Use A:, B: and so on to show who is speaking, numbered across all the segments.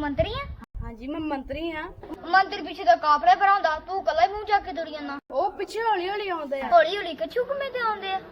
A: ਮੰਤਰੀ ਆ?
B: ਹਾਂਜੀ ਮੈਂ ਮੰਤਰੀ ਹਾਂ।
A: ਮੰਤਰੀ ਪਿੱਛੇ ਤਾਂ ਕਾਫਲੇ ਭਰਾਉਂਦਾ, ਤੂੰ ਕੱਲਾ ਹੀ ਮੂੰਹ ਚੱਕ ਕੇ ਤੁਰੀ ਜਾਂਦਾ।
B: ਉਹ ਪਿੱਛੇ ਹੌਲੀ ਹੌਲੀ ਆਉਂਦੇ ਆ।
A: ਹੌਲੀ ਹੌਲੀ ਕੱਛੂ ਘੁੰਮੇ ਤੇ ਆਉਂਦੇ ਆ।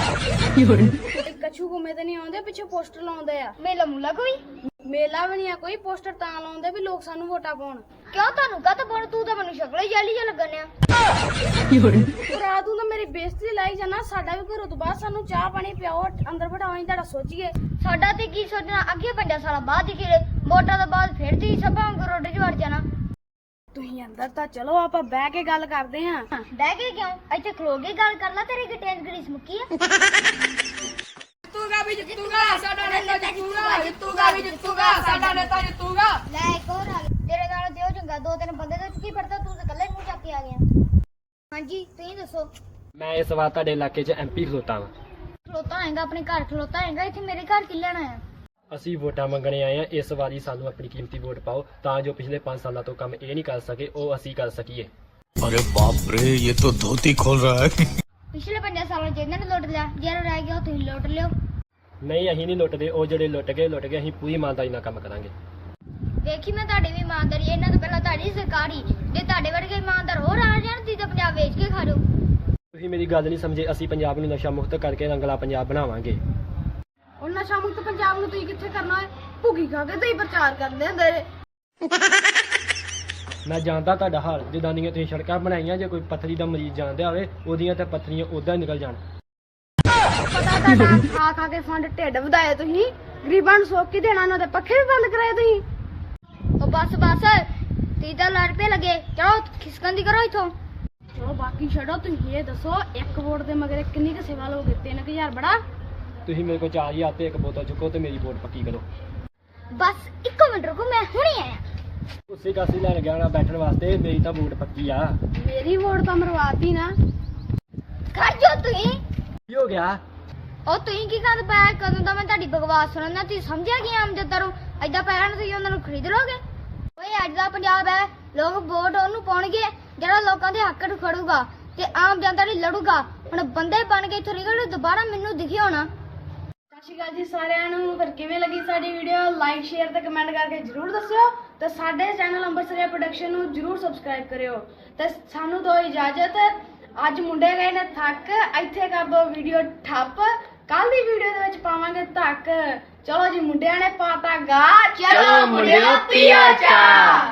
B: ਕੱਛੂ ਘੁੰਮੇ ਤੇ ਨਹੀਂ ਆਉਂਦੇ, ਪਿੱਛੇ ਪੋਸਟਰ ਲਾਉਂਦੇ ਆ।
A: ਮੇਲਾ ਮੂਲਾ ਕੋਈ?
B: ਮੇਲਾ ਵੀ ਨਹੀਂ ਆ ਕੋਈ, ਪੋਸਟਰ ਤਾਂ ਲਾਉਂਦੇ ਵੀ ਲੋਕ ਸਾਨੂੰ ਵੋਟਾਂ ਪਾਉਣ।
A: ਕਿਉਂ ਤੁਹਾਨੂੰ ਕਾਹ ਤੋਂ ਪਾਉਣ? ਤੂੰ ਤਾਂ ਮੈਨੂੰ ਸ਼ਕਲ ਹੀ ਜਾਲੀ ਜਿਹਾ ਲੱਗਣ ਆ।
B: ਭਰਾ ਤੂੰ ਤਾਂ ਮੇਰੀ ਬੇਇੱਜ਼ਤੀ ਲਾਈ ਜਾਣਾ। ਸਾਡਾ ਵੀ ਘਰੋਂ ਤੋਂ ਬਾਅਦ ਸਾਨੂੰ ਚਾਹ ਪਾਣੀ ਪਿਆਓ, ਅੰਦਰ ਬਿਠਾਓ, ਅਸੀਂ ਤੁਹਾਡਾ ਸੋਚੀਏ।
A: ਸਾਡਾ ਤੇ ਕੀ ਸੋਚਣਾ, ਅੱਗੇ 5 ਸਾਲਾਂ ਬਾਅਦ ਹੀ ਕਿਹੜੇ ਵੋਟਾਂ ਤੋਂ ਬਾਅਦ ਫਿਰ ਤੀ ਸਭਾ ਰੋਡੇ 'ਚ ਵੜ ਜਾਣਾ।
B: ਤੁਸੀਂ ਅੰਦਰ ਤਾਂ ਚਲੋ, ਆਪਾਂ ਬਹਿ ਕੇ ਗੱਲ ਕਰਦੇ ਹਾਂ।
A: ਬਹਿ ਕੇ ਕਿਉਂ? ਇੱਥੇ ਖਲੋ ਕੇ ਗੱਲ ਕਰ ਲੈ, ਤੇਰੀ ਗਿੱਟੇ 'ਚ ਗਰੀਸ ਮੁੱਕੀ ਆ।
B: ਜਿੱਤੂਗਾ ਵੀ ਜਿੱਤੂਗਾ, ਸਾਡਾ ਨੇਤਾ ਜਿੱਤੂਗਾ, ਜਿੱਤੂਗਾ ਵੀ ਜਿੱਤੂਗਾ, ਸਾਡਾ ਨੇਤਾ ਜਿੱਤੂਗਾ।
A: ਲੈ ਇੱਕ ਹੋਰ ਆ ਗਿਆ ਤੇਰੇ ਨਾਲ ਤੇ ਉਹ ਚੰਗਾ, 2-3 ਬੰਦੇ ਤੇ ਕੀ ਫੜਦਾ, ਤੂੰ ਤਾਂ ਇਕੱਲਾ ਹੀ ਮੂੰਹ ਚੱਕ ਕੇ ਆ ਗਿਆ। ਹਾਂਜੀ ਤੁਸੀਂ ਦੱਸੋ।
C: ਮੈਂ ਇਸ ਵਾਰ ਤੁਹਾਡੇ ਇਲਾਕੇ 'ਚ ਐਮਪੀ ਖਲੋਤਾ ਵਾਂ।
A: ਖਲੋਤਾ ਹੋਏਗਾ ਆਪਣੇ ਘਰ, ਖਲੋਤਾ ਹੋਏਗਾ ਇੱਥੇ ਮੇਰੇ ਘਰ ਕੀ ਲੈਣਾ ਆ?
C: ਅਸੀਂ ਵੋਟਾਂ ਮੰਗਣੇ ਆਏ ਆ। ਇਸ ਵਾਰੀ ਸਾਨੂੰ ਆਪਣੀ ਕੀਮਤੀ ਵੋਟ ਪਾਓ, ਤਾਂ ਜੋ ਪਿਛਲੇ 5 ਸਾਲਾਂ ਤੋਂ ਕੰਮ ਇਹ ਨਹੀਂ ਕਰ ਸਕੇ ਉਹ ਅਸੀਂ ਕਰ ਸਕੀਏ।
D: अरे बाप रे, ये तो धोती खोल रहा है।
A: ਪਿਛਲੇ 5 ਸਾਲਾਂ ਚ ਇਹਨਾਂ ਨੇ ਲੁੱਟ ਲਿਆ, ਜਿਹੜਾ ਰਹਿ ਗਿਆ ਉਹ ਤੁਸੀਂ ਲੁੱਟ ਲਿਓ।
C: ਨਹੀਂ ਅਸੀਂ ਨਹੀਂ ਲੁੱਟਦੇ, ਉਹ ਜਿਹੜੇ ਲੁੱਟ ਗਏ ਅਸੀਂ ਪੂਰੀ ਇਮਾਨਦਾਰੀ ਨਾਲ ਕੰਮ ਕਰਾਂਗੇ।
A: ਵੇਖੀ ਮੈਂ ਤੁਹਾਡੀ ਵੀ ਇਮਾਨਦਾਰੀ, ਇਹਨਾਂ ਤੋਂ ਪਹਿਲਾਂ ਤੁਹਾਡੀ ਸਰਕਾਰੀ, ਜੇ ਤੁਹਾਡੇ ਵਰਗੇ ਇਮਾਨਦਾਰ ਹੋਰ ਆ ਜਾਣ ਤੁਸੀਂ ਤਾਂ ਪੰਜਾਬ ਵੇਚ ਕੇ ਖਾ ਜਾਓ।
C: ਤੁਸੀਂ ਮੇਰੀ ਗੱਲ ਨਹੀਂ ਸਮਝੇ। ਅਸੀਂ ਪੰਜਾਬ ਨੂੰ ਨਸ਼ਾ ਮੁਕਤ ਕਰਕੇ ਰੰਗਲਾ ਪੰਜਾਬ ਬਣਾਵਾਂਗੇ।
B: ਉਹ ਨਸ਼ਾ ਮੁਕਤ ਪੰਜਾਬ ਨੂੰ ਤੁਸੀਂ ਕਿੱਥੇ ਕਰਨਾ ਹੈ? ਭੁੱਗੀ ਖਾ ਕੇ ਤੁਸੀਂ ਪ੍ਰਚਾਰ ਕਰਦੇ ਹੁੰਦੇ ਨੇ।
C: ਮੈਂ ਜਾਣਦਾ ਤੁਹਾਡਾ ਹਾਲ, ਜਿੱਦਾਂ ਦੀਆਂ ਤੁਸੀਂ ਸੜਕਾਂ ਬਣਾਈਆਂ, ਜੇ ਕੋਈ ਪੱਥਰੀ ਦਾ ਮਰੀਜ਼ ਜਾਣਦਾ ਹੋਵੇ ਉਹਦੀਆਂ ਤੇ ਪੱਥਰੀਆਂ ਉਦਾਂ ਨਿਕਲ ਜਾਣ।
B: ਪਤਾ ਤੁਹਾਡਾ ਖਾ ਖਾ ਕੇ ਫੰਡ ਢਿੱਡ ਵਧਾਏ ਤੁਸੀਂ, ਗਰੀਬਾਂ ਨੂੰ ਸੋਕ ਕੀ ਦੇਣਾ, ਉਹਨਾਂ ਦੇ ਪੱਖੇ ਵੀ ਬੰਦ ਕਰਾਏ ਤੁਸੀਂ।
A: ਉਹ ਬਸ ਤੁਸੀਂ ਤਾਂ ਲੜ ਪਏ ਲੱਗੇ, ਚਲੋ ਖਿਸਕਣ ਦੀ ਕਰੋ ਇੱਥੋਂ।
B: ਚਲੋ ਬਾਕੀ ਛੱਡੋ, ਤੁਸੀਂ ਇਹ ਦੱਸੋ ਇੱਕ ਵੋਟ ਦੇ ਮਗਰ ਕਿੰਨੀ ਕੁ ਸੇਵਾ ਲੋਗੇ? 3000 ਬੜਾ?
C: ਤੁਸੀਂ ਮੇਰੇ ਕੋਲ 4000 ਤੇ ਇੱਕ ਬੋਤਲ ਚੁੱਕੋ ਤੇ ਮੇਰੀ ਵੋਟ ਪੱਕੀ ਕਰੋ।
A: ਬਸ 1 ਮਿੰਟ ਰੁਕੋ, ਮੈਂ ਹੁਣੇ ਆਇਆ।
C: ਉਸੇ ਕਾਸੀ ਲੈਣ ਗਿਆ ਨਾ ਬੈਠਣ ਵਾਸਤੇ, ਮੇਰੀ ਤਾਂ ਵੋਟ ਪੱਕੀ ਆ।
B: ਮੇਰੀ ਵੋਟ ਤਾਂ ਮਰਵਾਤੀ ਨਾ।
A: ਖੜ ਜਾਓ ਤੁਸੀਂ।
C: ਕੀ ਹੋ ਗਿਆ?
A: ਉਹ ਤੁਸੀਂ ਕੀ ਕਰ ਪਾਇਆ? ਕਦੋਂ ਦਾ ਮੈਂ ਤੁਹਾਡੀ ਬਕਵਾਸ ਸੁਣਨਾ, ਤੁਸੀਂ ਸਮਝਿਆ ਕੀ ਆਮ ਜਨਤਾ ਨੂੰ? ਏਦਾਂ ਪੈਰਾਂ ਨੂੰ ਤੁਸੀਂ ਉਹਨਾਂ ਨੂੰ ਖਰੀਦ ਲੋਗੇ? ਓਏ ਅੱਜ ਦਾ ਪੰਜਾਬ ਹੈ, ਲੋਕ ਵੋਟ ਉਹਨੂੰ ਪਾਉਣਗੇ ਜਿਹੜਾ ਲੋਕਾਂ ਦੇ ਹੱਕ ਨੂੰ ਖੜੂਗਾ ਤੇ ਆਮ ਜਨਤਾ ਲਈ ਲੜੂਗਾ। ਹੁਣ ਬੰਦੇ ਬਣ ਕੇ ਇੱਥੋਂ ਨਿਕਲ, ਦੁਬਾਰਾ ਮੈਨੂੰ ਦਿਖੇ ਹੋਣਾ।
B: ਸਤਿ ਸ਼੍ਰੀ ਅਕਾਲ ਜੀ ਸਾਰਿਆਂ ਨੂੰ। ਫਿਰ ਕਿਵੇਂ ਲੱਗੀ ਸਾਡੀ ਵੀਡੀਓ? ਲਾਈਕ ਸ਼ੇਅਰ ਤੇ ਕਮੈਂਟ ਕਰਕੇ ਜਰੂਰ ਦੱਸਿਓ ਤੇ ਸਾਡੇ ਚੈਨਲ ਅੰਮ੍ਰਿਤਸਰੀਆ ਪ੍ਰੋਡਕਸ਼ਨ ਨੂੰ ਜਰੂਰ ਸਬਸਕ੍ਰਾਈਬ ਕਰਿਓ ਤੇ ਸਾਨੂੰ ਦਿਓ ਇਜਾਜ਼ਤ। ਅੱਜ ਮੁੰਡੇ ਗਏ ਨੇ ਥੱਕ, ਇੱਥੇ ਕਰ ਦੋ ਵੀਡੀਓ ਠੱਪ। ਕੱਲ ਦੀ ਵੀਡੀਓ ਦੇ ਵਿੱਚ ਪਾਵਾਂਗੇ ਧੱਕ। ਚਲੋ ਜੀ, ਮੁੰਡਿਆਂ ਨੇ ਪਾਤਾ ਗਾ, ਚਲੋ ਮੁੰਡਿਓ ਪੀਓ ਚਾਹ।